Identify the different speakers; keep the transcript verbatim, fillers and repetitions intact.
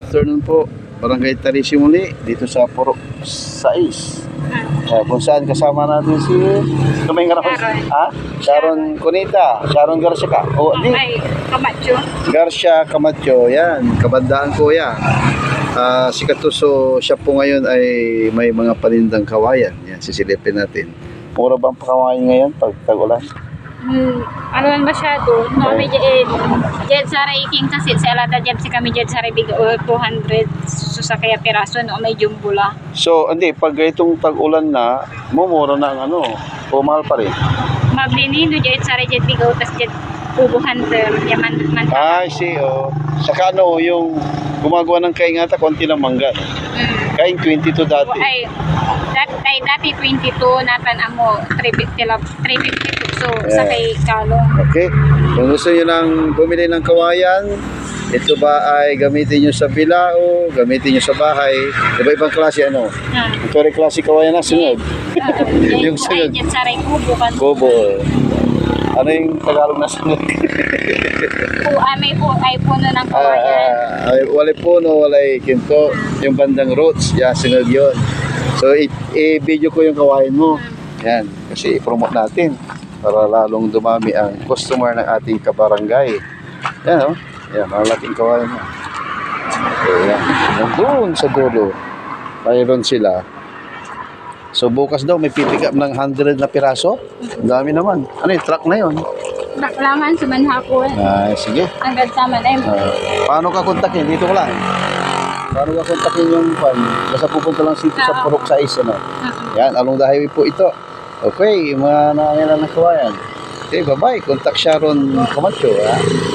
Speaker 1: Afternoon po, Barangay Tarisi muli dito sa Purok sais. Uh, kung saan kasama natin si Kamay nga
Speaker 2: Sharon.
Speaker 1: Ha? Sharon Cunita, Sharon Garcia ka. O, di.
Speaker 2: Ay, Camacho.
Speaker 1: Garcia Camacho, yan. Kabandaan ko yan. Uh, si Katuso, siya po ngayon ay may mga panindang kawayan. Yan, sisilipin natin. Mura bang pakawayan ngayon pag tag-ulan?
Speaker 2: Hmm, ano man masyado. No, may dyan, dyan sa Raiking kasi sa Alada dyan si kami dyan sa Raibig uh, two hundred so sa kaya piraso no, may jumbo la.
Speaker 1: So, hindi, pag itong tag-ulan na, mumura na ang ano, o mahal pa rin.
Speaker 2: Maglinido dyan sa Raibig bigaw tas dyan Kubo Hunter, yaman man.
Speaker 1: I see, oh. Saka ano, yung gumagawa ng kaingata, konti lang mangga.
Speaker 2: Mm.
Speaker 1: Kaing twenty-two dati.
Speaker 2: Ay, dat, ay dati twenty-two natan amo three fifty two so
Speaker 1: Yeah.
Speaker 2: sa kay Kalong.
Speaker 1: Okay. Kung gusto nyo nang bumili ng kawayan, ito ba ay gamitin nyo sa bilao, gamitin nyo sa bahay. Diba ibang klase ano?
Speaker 2: Ah.
Speaker 1: Ito rin klase kawayan na sunod. Yung
Speaker 2: Yung
Speaker 1: sunod.
Speaker 2: ay dyan sa Ray Kubo kan.
Speaker 1: Bobo. Ano yung Tagalog na sunod?
Speaker 2: Po, ay may po ay puno ng
Speaker 1: Ah,
Speaker 2: kawayan.
Speaker 1: ah, ay, walay puno, walay kinto. Yung bandang roots, yan, sunod yun. So, i- i-video ko yung kawayan mo. Yan, kasi i-promote natin para lalong dumami ang customer ng ating kabarangay. Yan, oh. Yan, malaking kawayan mo. So, yan. Nandun sa dulo. Mayroon sila. So, bukas daw may pipick up ng one hundred na piraso. Ang dami naman. Ano yung truck na yun?
Speaker 2: Baklaman sa manhapon.
Speaker 1: Ah, sige.
Speaker 2: Hanggang sa man ay
Speaker 1: Ah, paano ka kontakin? Dito ko lang. Paano ka kontakin yung fan? Basta pupunta lang dito sa Purok sais, ano? Yan, along the highway po ito. Okay, mga nangyayari ng kawayan. Okay, bye-bye. Contact Sharon Camacho, ha?